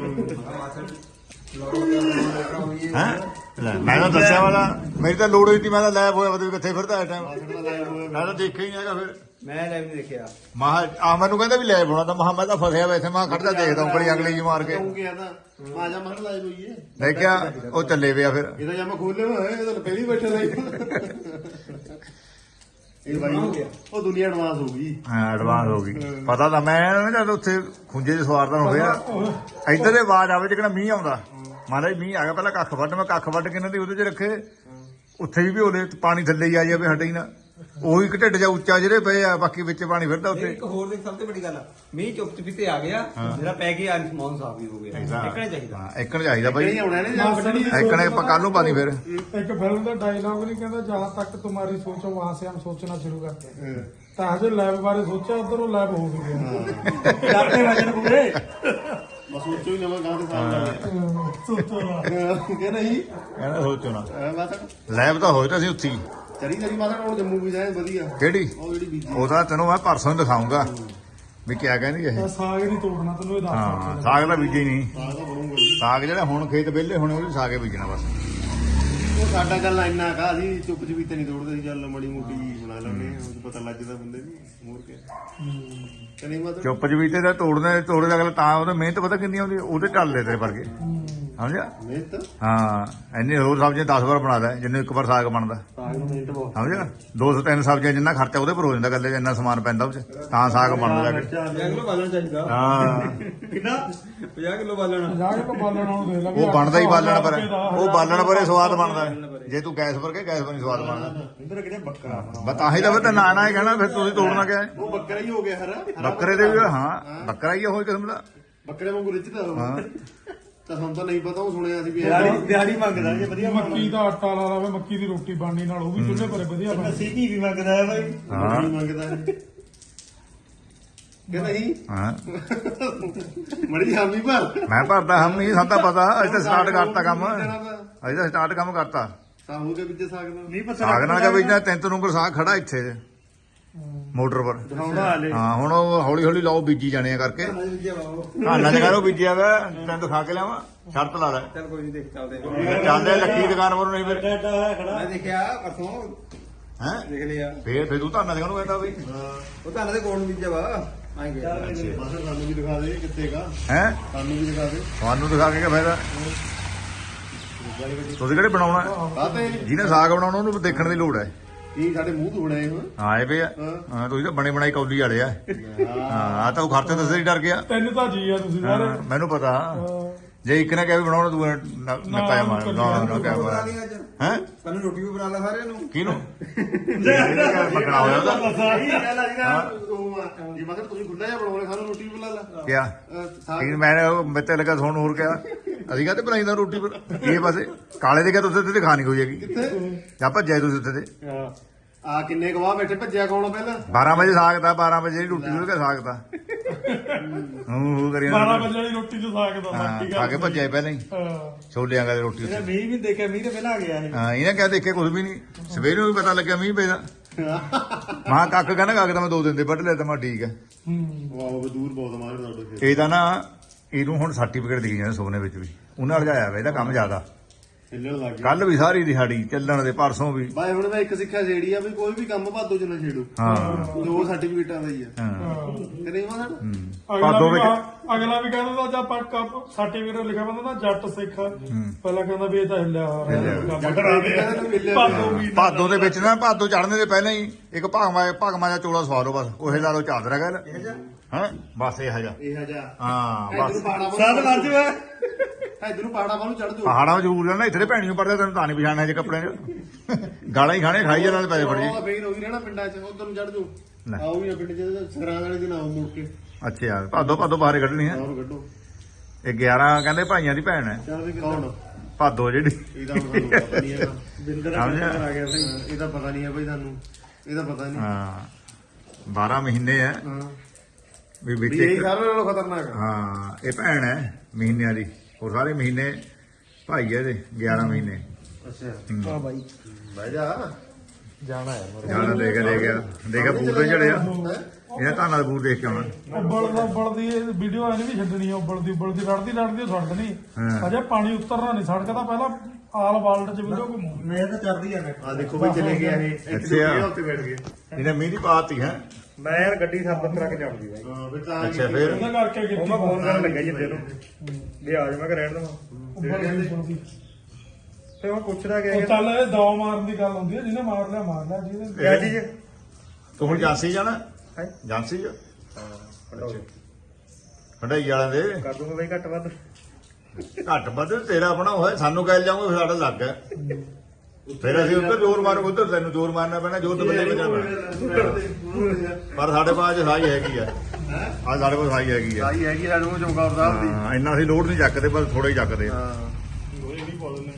S2: ਹੈ ਲੈ ਮੈਂ ਤਾਂ ਦੱਸਿਆ ਵਾਲਾ ਮੇਰੀ ਤਾਂ ਲੋੜ ਹੋਈ ਸੀ ਮੈਂ ਤਾਂ ਲੈ ਹੋਇਆ ਪਤਾ ਵੀ ਕਿੱਥੇ ਫਿਰਦਾ ਇਸ ਟਾਈਮ
S1: ਮਾਸਟਰ ਦਾ ਲਾਇਆ ਹੋਇਆ
S2: ਮੈਂ ਤਾਂ ਦੇਖਿਆ ਹੀ ਨਹੀਂ ਹੈਗਾ ਫਿਰ
S5: ਮੈਂ ਲਾਈਵ ਨਹੀਂ ਦੇਖਿਆ
S2: ਮਹਾ ਆ ਮੈਨੂੰ ਕਹਿੰਦਾ ਵੀ ਲੈ ਪਾਉਣਾ ਤਾਂ ਮਹਾ ਮੈਂ ਤਾਂ ਫਸਿਆ ਵੈਸੇ ਮੈਂ ਖੜਦਾ ਦੇਖਦਾ ਉਂਗਲੀ ਅਗਲੀ ਜੀ ਮਾਰ ਕੇ
S1: ਕਿਉਂ ਗਿਆ ਤਾਂ ਮਾਜਾ ਮਹਰ ਲਾਈ ਹੋਈ ਹੈ
S2: ਦੇਖਿਆ ਉਹ ਚੱਲੇ ਪਿਆ ਫਿਰ
S1: ਇਹਦਾ ਜਾਂ ਮੈਂ ਖੋਲੇ ਹੋਏ ਇਹ ਤਾਂ ਪਹਿਲੀ ਬੈਠੇ ਲਾਈ ਇਹ ਬਾਈ ਉਹ ਦੁਨੀਆ ਐਡਵਾਂਸ ਹੋ ਗਈ
S2: ਹਾਂ ਐਡਵਾਂਸ ਹੋ ਗਈ ਪਤਾ ਤਾਂ ਮੈਂ ਨਾ ਜਦ ਉੱਥੇ ਖੁੰਝੇ 'ਚ ਸਵਾਰਦਾ ਹੋ ਗਿਆ ਇੱਧਰ ਦੇ ਆਵਾਜ਼ ਆਵੇ ਜਿਹੜਾ ਮੀਂਹ ਆਉਂਦਾ ਮਹਾਰਾਜ ਮੀਂਹ ਆ ਗਿਆ ਪਹਿਲਾਂ ਕੱਖ ਵੱਢ ਮੈਂ ਕੱਖ ਵੱਢ ਕੇ ਇਹਨਾਂ ਦੀ ਉਹਦੇ 'ਚ ਰੱਖੇ ਉੱਥੇ ਵੀ ਉਹਦੇ ਪਾਣੀ ਥੱਲੇ ਹੀ ਆ ਜਾਵੇ ਹਟੇ ਹੀ ਨਾ ਉਹੀ ਇੱਕ ਢਿੱਡ ਜਾ ਉੱਚਾ ਜਿਹੜੇ ਪਏ ਆ ਬਾਕੀ ਵਿੱਚ ਪਾਣੀ ਫਿਰਦਾ ਉੱਤੇ
S5: ਇੱਕ ਹੋਰ ਦੇਖ ਸਭ ਤੋਂ ਵੱਡੀ ਗੱਲ ਆ ਮੀਂਹ ਚੁੱਪ ਚੁਪੀਤੇ ਆ ਗਿਆ ਜਿਹੜਾ ਪੈ ਗਿਆ ਸਮਾਨ ਸਾਫ ਵੀ ਹੋ ਗਿਆ ਇੱਕਣੇ ਚਾਹੀਦਾ
S2: ਹਾਂ ਇੱਕਣ ਚਾਹੀਦਾ ਬਾਈ
S1: ਨਹੀਂ ਆਉਣਾ ਨੇ ਜਾਂ ਕੱਢਣੀ
S2: ਇੱਕਣ ਆਪਾਂ ਕੱਲ ਨੂੰ ਪਾਣੀ ਫਿਰ
S3: एक फिल्म का डायलॉग नहीं कहता जहाँ तक तुम्हारी सोचो वहां से हम सोचना शुरू करते हैं तो हजे लैब बारे सोचा उधर वो लैब हो गया
S5: ਡਰਦੇ ਵਜਨ ਪੂਰੇ
S1: ਬਸ ਸੋਚੋ ਹੀ ਨਵਾਂ ਗਾਂ ਦੇ ਸਾਹਮਣੇ
S3: सोचो ना
S1: ਕਿ ਨਹੀਂ
S2: ਕਹਿੰਦਾ ਸੋਚੋ ਨਾ
S1: ਐ ਮਾਸੜ
S2: ਲੈਬ ਤਾਂ ਹੋਏ ਤਾਂ ਅਸੀਂ ਉੱਥੇ ਹੀ
S1: ਚਰੀ ਚਰੀ ਮਾਸੜ ਹੁਣ ਜੰਮੂ ਵੀ ਜਾਏ ਵਧੀਆ
S2: ਕਿਹੜੀ
S1: ਉਹ ਜਿਹੜੀ ਬੀਜੀ
S2: ਉਹ ਤਾਂ ਤੈਨੂੰ ਮੈਂ ਪਰਸੋਂ ਹੀ ਦਿਖਾਉਂਗਾ ਵੀ ਕਿਆ ਕਹਿੰਦੀ ਇਹ
S3: साग नहीं तोड़ना तेन ये
S2: ਹਾਂ
S3: दस
S2: ਸਾਗ ਦਾ ਬੀਜੇ ਹੀ ਨਹੀਂ
S1: ਸਾਗ ਤਾਂ ਬਣੂਗਾ ਜੀ।
S2: ਸਾਗ ਜਿਹੜਾ ਹੁਣ ਖੇਤ ਵਿਹਲੇ ਹੋਣੇ ਉਹ ਵੀ ਸਾਗੇ ਬੀਜਣਾ ਬਸ
S1: ਉਹ ਸਾਡਾ ਗੱਲ ਇੰਨਾ ਕਾ ਅਸੀਂ ਚੁੱਪ ਚਪੀਤੇ ਨਹੀਂ ਤੋੜਦੇ ਸੀ ਚੱਲ ਮੜੀ ਮੋਟੀ ਬਣਾ ਲੈਣੇ ਉਹ ਪਤਾ ਲੱਗ ਜਾਂਦਾ ਬੰਦੇ ਨੂੰ ਮੋਰ ਕੇ ਕਿ ਨਹੀਂ ਮਤਲਬ
S2: ਚੁੱਪ ਜਵੀਤੇ ਦਾ ਤੋੜਨੇ ਤੋੜੇ ਦਾ ਅਗਲਾ ਤਾਂ ਉਹਦਾ ਮਿਹਨਤ ਪਤਾ ਕਿੰਨੀ ਆਉਂਦੀ ਉਹਦੇ ਢੱਲਦੇ ਤੇਰੇ ਵਰਗੇ ਸਮਝਿਆ
S1: ਮਿਹਨਤ
S2: ਹਾਂ ਇੰਨੀ ਹੋਰ ਸਬਜ਼ੀਆਂ ਦਸ ਵਾਰ ਬਣਾ ਲੈ ਜਿੰਨੇ ਇੱਕ ਵਾਰ ਸਾਗ ਬਣਦਾ
S1: ਸਾਗ ਨੂੰ ਮਿਹਨਤ ਬਹੁਤ
S2: ਸਮਝਿਆ ਦੋ ਸੌ ਤਿੰਨ ਸਬਜ਼ੀਆਂ ਜਿੰਨਾ ਖਰਚਾ ਉਹਦੇ ਪਰ ਹੋ ਜਾਂਦਾ ਗੱਲੇ ਜਿੰਨਾ ਸਮਾਨ ਪੈਂਦਾ ਉਹ ਚ ਤਾਂ ਸਾਗ ਬਣਦਾ ਜਾ ਕੇ
S5: ਪੰਜਾਹ ਕਿਲੋ ਬਾਲਣਾ ਚਾਹੀਦਾ
S2: ਹਾਂ
S5: ਕਿੰਨਾ ਪੰਜਾਹ ਕਿਲੋ ਬਾਲਣਾ
S3: जाके तो बालन देख ला
S2: ਉਹ ਬਣਦਾ ਹੀ ਬਾਲਣ ਪਰ ਉਹ ਬਾਲਣ ਪਰੇ ਸਵਾਦ ਬਣਦਾ ਜੇ ਤੂੰ ਗੈਸ ਪਰ ਕੇ ਗੈਸ ਪਰ ਨਹੀਂ ਸਵਾਦ ਬਣਦਾ
S1: ਇੰਦਰ ਕਿਹੜੇ ਬੱਕਰਾ
S2: ਬਸ ਤਾਂ ਹੀ ਤਾਂ ਫਿਰ ਤਾਂ ਨਾ ਨਾ ਹੀ ਕਹਿਣਾ ਫਿਰ ਤੁਸੀਂ ਤੋੜਨਾ ਕਿਆ ਹੈ?
S1: ਉਹ ਬੱਕਰਾ ਹੀ ਹੋ ਗਿਆ ਹਰਾ ਹਰਾ
S2: ਬੱਕਰੇ ਦੇ ਵੀ ਹਾਂ ਬੱਕਰਾ ਹੀ ਆ ਹੋਈ ਕਿਸਮ ਦਾ
S1: ਬੱਕਰੇ ਵਾਂਗੂ ਰਿੱਝਦਾ ਉਹ
S2: ਹਾਂ
S1: ਤਾਂ ਸਾਨੂੰ ਤਾਂ ਨਹੀਂ ਪਤਾ ਉਹ ਸੁਣਿਆ ਸੀ ਵੀ
S5: ਦਿਹਾੜੀ
S1: ਇਹ
S5: ਦਿਹਾੜੀ ਮੰਗਦਾ ਜੇ ਵਧੀਆ
S3: ਮੱਕੀ ਦਾ ਆਟਾ ਲਾ ਲਾਵੇ ਮੱਕੀ ਦੀ ਰੋਟੀ ਬਣਨੀ ਨਾਲ ਉਹ ਵੀ ਚੁੱਲ੍ਹੇ ਪਰੇ ਵਧੀਆ ਬਣਦੀ
S5: ਅਸੀਂ ਕੀ ਵੀ ਮੰਗਦਾ ਹੈ ਬਾਈ
S2: ਹਾਂ
S1: ਨਹੀਂ ਮੰਗਦਾ ਕਿ ਨਹੀਂ
S2: ਹਾਂ
S1: ਮੜੀ ਹਾਮੀ ਭਰ
S2: ਮੈਂ ਭਰਦਾ ਹਮ ਨਹੀਂ ਸਾਡਾ ਪਤਾ ਅਸੀਂ ਤਾਂ ਸਟਾਰਟ ਕਰਤਾ ਕੰਮ ਅਸੀਂ ਤਾਂ ਸਟਾਰਟ ਕੰਮ ਕਰਤਾ
S1: ਤਾਂ ਹੋ ਗਿਆ ਵਿੱਚ ਸਾਗ ਨਾਲ
S5: ਨਹੀਂ ਪਤਾ
S2: ਸਾਗ ਨਾਲ ਕਾ ਬੀਜਣਾ ਤਿੰਨ ਤਿੰਨ ਉਂਗਲ ਸਾਗ ਖੜਾ ਇੱਥੇ ਮੋਟਰ ਪਰ
S5: ਦਿਖਾਉਣਾ ਹਲੇ
S2: ਹਾਂ ਹੁਣ ਉਹ ਹੌਲੀ ਹੌਲੀ ਲਾਓ ਬੀਜੀ ਜਾਣੇ ਆ ਕਰਕੇ ਹਾਨਾ ਚ ਕਰੋ ਬੀਜਿਆ ਵਾ ਤੈਨੂੰ ਦਿਖਾ ਕੇ ਲਿਆਵਾਂ ਸ਼ਰਤ ਲਾ ਲੈ
S5: ਚੱਲ ਕੋਈ ਨਹੀਂ ਦੇਖ ਚੱਲਦੇ
S2: ਚੱਲਦੇ ਲੱਕੀ ਦੁਕਾਨ ਪਰ ਨਹੀਂ ਫਿਰ
S5: ਮੈਂ ਦੇਖਿਆ ਪਰਸੋਂ
S2: ਹੈ
S5: ਦੇਖ ਲਿਆ
S2: ਫੇਰ ਫੇਰ ਤੂੰ ਧਾਨਾ ਦੇ ਨੂੰ ਕਹਿੰਦਾ ਬਈ
S5: ਉਹ ਤਾਂ ਦੇ ਕੋਲ ਬੀਜਿਆ ਵਾ ਆਏ ਗਿਆ
S1: ਮਾਸਰ ਸਾਨੂੰ ਵੀ ਦਿਖਾ ਦੇ ਕਿੱਥੇ ਕਾ
S2: ਹੈ
S1: ਸਾਨੂੰ ਵੀ ਦਿਖਾ ਦੇ
S2: ਤੁਹਾਨੂੰ ਦਿਖਾ ਕੇ ਕੀ ਫਾਇਦਾ ਤੁਸੀਂ ਕਿਹੜੇ ਬਣਾਉਣਾ
S1: ਕਾਤੇ
S2: ਜਿਹਨੇ ਸਾਗ ਬਣਾਉਣਾ ਉਹਨੂੰ ਦੇਖਣ ਦੀ ਲੋੜ ਹੈ
S1: ਕੀ ਸਾਡੇ ਮੂੰਹ ਤੋਂ ਬਣਾਏ ਹੋ
S2: ਆਏ ਪਏ ਆ ਹਾਂ ਤੁਸੀਂ ਤਾਂ ਬਣੇ ਬਣਾਈ ਕੌਲੀ ਵਾਲੇ ਆ ਹਾਂ ਆ ਤਾਂ ਉਹ ਖਰਚੇ ਦੱਸੇ ਹੀ ਡਰ ਗਿਆ
S3: ਤਿੰਨ ਤਾਂ ਜੀ ਆ ਤੁਸੀਂ ਸਾਰੇ
S2: ਹਾਂ, ਮੈਨੂੰ ਪਤਾ ਜੇ ਇੱਕ ਨੇ ਕਿਹਾ ਵੀ ਬਣਾਉਣਾ ਤੂੰ ਨਕਾਇਆ ਮਾਰ ਨਾ ਨਾ ਕਿਆ
S5: ਬਣਾ
S2: ਮਾਰ
S5: ਲਈ ਅੱਜ
S2: ਹੈ
S5: ਸਾਨੂੰ ਰੋਟੀ ਵੀ ਬਣਾ ਲਾ ਸਾਰਿਆਂ ਨੂੰ
S2: ਕਿਹਨੂੰ ਮਕਣਾ ਹੋਇਆ ਉਹਦਾ
S1: ਸਹੀ ਗੱਲ ਆ ਜੀ ਨਾ ਉਹ ਆ, ਜੇ ਮਗਰ ਤੁਸੀਂ ਖੁੱਲਾ ਜਿਹਾ ਬਣਾਉਣੇ ਸਾਨੂੰ ਰੋਟੀ ਬਣਾ ਲਾ
S2: ਕਿਆ
S1: ਅਹ, ਸਾਗ
S2: ਕੀ ਮੈਂ ਮੇਤੇ ਲੱਗਾ ਸੋਣ ਹੋਰ ਕਿਹਾ ਅਸੀਂ ਕਹਤੇ ਬਣਾਈਦਾ ਰੋਟੀ ਪਰ ਇਹ ਪਾਸੇ ਕਾਲੇ ਦੇ ਕਿਹਾ ਤੁਸੀਂ ਉੱਥੇ ਤੇ ਖਾਣੀ ਕੋਈ ਹੈਗੀ ਜਾਂ ਭੱਜਿਆ ਤੁਸੀਂ ਉੱਥੇ ਤੇ
S1: ਆ ਕਿੰਨੇ ਗਵਾਹ ਬੈਠੇ ਭੱਜਿਆ ਕੌਣ ਪਹਿਲਾਂ
S2: ਬਾਰਾਂ ਵਜੇ ਸਾਗ ਦਾ ਬਾਰਾਂ ਵਜੇ ਜਿਹੜੀ ਰੋਟੀ ਉਹਦੇ ਸਾਗ ਦਾ ਹੂੰ ਹੂੰ ਕਰੀ
S3: ਬਾਰਾਂ ਵਜੇ ਵਾਲੀ ਰੋਟੀ ਚ ਸਾਗ ਦਾ
S2: ਹਾਂ
S3: ਸੱਚੀ
S2: ਖਾ
S3: ਗੱਲ
S2: ਕੇ ਭੱਜਿਆ ਪਹਿਲਾਂ ਹੀ
S3: ਹਾਂ।
S2: ਛੋਲਿਆਂ ਦਾ ਰੋਟੀ ਉੱਤੇ
S5: ਮੀਂਹ ਵੀ ਦੇਖਿਆ ਮੀਂਹ ਤੇ ਪਹਿਲਾਂ ਆ ਗਿਆ ਇਹ
S2: ਹਾਂ ਇਹਨੇ ਕਿਹਾ ਦੇਖਿਆ ਕੁਝ ਵੀ ਨਹੀਂ ਸਵੇਰੇ ਨੂੰ ਵੀ ਪਤਾ ਲੱਗਿਆ ਮੀਂਹ ਪੈਦਾ ਮਾਂ ਕੱਕ ਕਹਿੰਦਾ ਕੱਕ ਤਾਂ ਮੈਂ ਦੋ ਦਿਨ ਦੇ ਵੱਢ ਲਿਆ ਤਾਂ ਮੈਂ ਠੀਕ ਹੈ
S3: ਹੂੰ
S1: ਵਾਹ ਦੂਰ ਬਹੁਤ ਮਾਰ ਤੁਹਾਡੇ ਖੇਤ
S2: ਇਹ ਤਾਂ ਨਾ ਇਹਨੂੰ ਹੁਣ ਸਰਟੀਫਿਕੇਟ ਦਿਖੀ ਜਾਂਦਾ ਸੋਨੇ ਵਿੱਚ ਵੀ ਉਹਨਾਂ ਲਜਾਇਆ ਵਾ ਇਹਦਾ ਕੰਮ ਜ਼ਿਆਦਾ
S1: ਹਿੱਲਣ ਲੱਗ ਗਿਆ
S2: ਕੱਲ ਵੀ ਸਾਰੀ ਦਿਹਾੜੀ ਚੱਲਣ ਦੇ ਪਰਸੋਂ ਵੀ
S1: ਬਾਈ ਹੁਣ ਮੈਂ ਇੱਕ ਸਿੱਖਿਆ ਜਿਹੜੀ ਆ ਵੀ ਕੋਈ ਵੀ ਕੰਮ ਭਾਦੋ ਚ ਨਾ ਛੇੜੋ
S2: ਹਾਂ
S1: ਦੋ ਸਰਟੀਫਿਕੇਟਾਂ ਦਾ ਹੀ ਆ
S2: ਹਾਂ
S1: ਤੇ ਨਹੀਂ ਮਾਸਰ
S2: ਹੂੰ।
S3: ਅਗਲਾ
S2: ਭਾਦੋ
S3: ਵੀ
S2: ਵਿੱਚ
S3: ਕਹਾ- ਅਗਲਾ ਵੀ ਕਹਿੰਦਾ ਤਾਂ ਜਾਂ ਪੱਕਾ ਸਰਟੀਫਿਕੇਟ ਲਿਖਿਆ ਬੰਦਾ ਨਾ ਜੱਟ ਸਿੱਖ ਪਹਿਲਾਂ ਕਹਿੰਦਾ ਵੀ ਇਹ ਤਾਂ ਹਿੱਲਿਆ ਹੋਇਆ
S1: ਜੱਟ ਰਾਵੇ ਕਹਿੰਦਾ ਨੂੰ ਮਿਲਿਆ
S3: ਭਾਦੋ ਵੀ
S2: ਭਾਦੋ ਦੇ ਵਿੱਚ ਨਾ ਭਾਦੋ ਚੜਨੇ ਦੇ ਪਹਿਲਾਂ ਹੀ ਇੱਕ ਭਾਗਮਾ ਭਾਗਮਾ ਦਾ ਚੋਲਾ ਸਵਾ ਲਓ ਬਸ ਉਹੇ ਲਾ ਲਓ ਚਾਦਰਾ ਗੱਲ ਹਾਂ ਬਸ ਇਹ ਹਜਾ
S1: ਇਹ ਹਜਾ
S2: ਹਾਂ
S1: ਇਧਰ
S2: ਬਸ
S1: ਪਾੜਾ
S5: ਸੱਤ ਵੱਜ ਵੇ
S1: ਇਧਰ ਨੂੰ ਪਾੜਾ ਵੱਲ ਚੜ ਜਾਓ
S2: ਪਹਾੜਾਂ ਵਿੱਚ ਜ਼ਰੂਰ ਰਹਿਣਾ ਇੱਥੇ ਭੈਣੀ ਨੂੰ ਪੜਦਾ ਤੈਨੂੰ ਤਾਂ ਨਹੀਂ ਪਛਾਣਨਾ ਜੇ ਕੱਪੜੇ 'ਚ ਗਾਲਾਂ ਹੀ ਖਾਣੇ ਖਾਈ ਜਾਣ ਵਾਲੇ ਪੈਸੇ ਫੜ ਜੀ
S1: ਉਹ ਬੇਨ ਹੋ ਗਈ ਰਹਿਣਾ ਪਿੰਡਾਂ ਚ ਉਧਰ ਨੂੰ ਚੜ ਜਾਓ
S2: ਲੈ।
S1: ਆਓ ਵੀ ਨਾ ਪਿੰਡ ਚ ਸਰਾਂ ਵਾਲੇ ਦਿਨ ਆਓ ਮੁੜ ਕੇ
S2: ਅੱਛਾ ਭਾਦੋ ਭਾਦੋ ਬਾਹਰ ਕੱਢਣੀ ਹੈ
S1: ਹੋਰ ਕੱਢੋ
S2: ਇਹ ਗਿਆਰਾਂ ਕਹਿੰਦੇ ਭਾਈਆਂ ਦੀ ਭੈਣ ਹੈ
S1: ਚੱਲ ਵੀ ਕੌਣ
S2: ਭਾਦੋ ਜਿਹੜੀ
S1: ਇਹਦਾ ਹੁਣ ਸਾਨੂੰ ਪਤਾ ਨਹੀਂ ਹੈਗਾ
S5: ਬਿੰਦਰ
S2: ਸਮਝਿਆ?
S5: ਆ ਗਿਆ ਭਾਈ
S1: ਹਾਂ, ਇਹਦਾ ਪਤਾ ਨਹੀਂ ਹੈ ਬਈ ਸਾਨੂੰ ਇਹਦਾ ਪਤਾ ਨਹੀਂ
S2: ਹਾਂ ਬਾਰਾਂ ਮਹੀਨੇ ਹੈ
S1: ਹਾਂ
S2: ਵੀ
S1: ਵੀ
S2: ਵਿੱਚ
S1: ਇਹ
S2: ਇੱਕ
S1: ਸਾਰਿਆਂ ਨਾਲੋਂ ਖਤਰਨਾਕ ਆ
S2: ਹਾਂ ਇਹ ਭੈਣ ਹੈ ਮਹੀਨਿਆਂ ਦੀ ਉਹ ਸਾਰੇ ਮਹੀਨੇ ਭਾਈ ਹੈ ਇਹਦੇ ਗਿਆਰਾਂ ਮਹੀਨੇ
S1: ਅੱਛਾ
S5: ਹਾਂ ਬਾਈ
S1: ਬਹਿ ਜਾ
S5: ਜਾਣਾ ਹੈ
S2: ਜਾਣਾ ਦੇਖ ਲੈ ਗਿਆ ਦੇਖਿਆ ਬੂਟ ਤੇ ਚੜਿਆ ਇਹਦਾ ਧਾਨਾ ਦਾ ਬੂਟ ਦੇਖ ਕੇ ਆਉਣਾ
S3: ਉੱਬਲ ਦਾ ਉੱਬਲ ਦੀ ਵੀਡੀਓ ਐ ਨਹੀਂ ਵੀ ਛੱਡਣੀ ਆ ਉੱਬਲ ਦੀ ਉੱਬਲ ਦੀ ਲੜਦੀ ਲੜਦੀ ਉਹ ਛੱਡ ਦੇਣੀ
S2: ਹਾਂ।
S3: ਅਜੇ ਪਾਣੀ ਉਤਰਨਾ ਨਹੀਂ ਸੜਕ ਤਾਂ ਪਹਿਲਾਂ ਆਲ ਵਰਲਡ ਚ ਵੀਡੀਓ ਘੁੰਮੂ
S5: ਮੈਂ ਤਾਂ ਚੱਲਦੀ ਆ
S1: ਆ ਦੇਖੋ ਬਈ ਚਲੇ ਗਿਆ ਇਹ ਇੱਥੇ
S2: ਅੱਛਾ।
S1: ਦੁਨੀਆ ਉੱਤੇ ਬੈਠ ਗਏ
S2: ਇਹਨੇ ਮੀਂਹ ਦੀ ਪਾਤੀ ਹੈ
S5: ਮੈਂ ਯਾਰ ਗੱਡੀ ਸਰਬਤ ਕਰਾ ਕੇ ਜਾਉਂਦੀ ਬਾਈ
S1: ਹਾਂ ਫਿਰ ਤਾਂ
S2: ਅੱਛਾ ਫਿਰ
S3: ਉਹਦਾ ਕਰਕੇ
S5: ਉਹ
S3: ਕੀਤੀ
S5: ਮੈਂ ਫੋਨ ਕਰਨ ਲੱਗਾ ਜਿੰਦੇ ਨੂੰ ਵੀ ਆ ਜਾ ਮੈਂ ਕਿ ਰਹਿਣ ਦਵਾਂ
S3: ਉੱਬਲ ਦੀ ਸੁਣਦੀ
S5: ਤੇ ਉਹ ਪੁੱਛਦਾ ਗਿਆ
S3: ਉਹ ਚੱਲ ਇਹ ਦੌ ਮਾਰਨ ਦੀ ਗੱਲ ਹੁੰਦੀ ਹੈ ਜਿਹਨੇ ਮਾਰ ਲਿਆ ਮਾਰ ਲਿਆ ਜਿਹਨੇ
S5: ਕਿਆ ਚੀਜ਼
S2: ਤੂੰ ਹੁਣ ਜਾਂਸੀ ਜਾਣਾ
S5: ਹੈ
S2: ਜਾਂਸੀ ਜਾ
S5: ਹਾਂ
S2: ਹੰਡਾਈ ਵਾਲਿਆਂ ਦੇ
S5: ਕਰ ਦੂੰਗਾ ਬਾਈ ਘੱਟ ਵੱਧ
S2: ਘੱਟ ਵੱਧ ਤੇਰਾ ਆਪਣਾ ਹੋਇਆ ਸਾਨੂੰ ਕਹਿ ਜਾਊਂਗਾ ਫਿਰ ਸਾਡਾ ਲੱਗ ਹੈ ਫਿਰ ਅਸੀਂ ਉੱਧਰ ਜ਼ੋਰ ਮਾਰੋ ਉੱਧਰ ਤੈਨੂੰ ਜ਼ੋਰ ਮਾਰਨਾ ਪੈਣਾ ਜੋ ਤੇ ਬੱਲੇ ਬਚਾ ਪੈਣਾ ਪਰ ਸਾਡੇ ਕੋਲ ਅੱਜ ਸਾਈ ਹੈਗੀ ਆ ਅੱਜ ਸਾਡੇ ਕੋਲ ਸਾਈ ਹੈਗੀ ਆ
S1: ਸਾਈ ਹੈਗੀ ਸਾਡੇ ਕੋਲ ਚਮਕੌਰ ਸਾਹਿਬ ਦੀ
S2: ਹਾਂ ਇੰਨਾ ਅਸੀਂ ਲੋਡ ਨਹੀਂ ਚੱਕਦੇ ਬਸ ਥੋੜਾ ਹੀ ਚੱਕਦੇ ਆ
S1: ਹਾਂ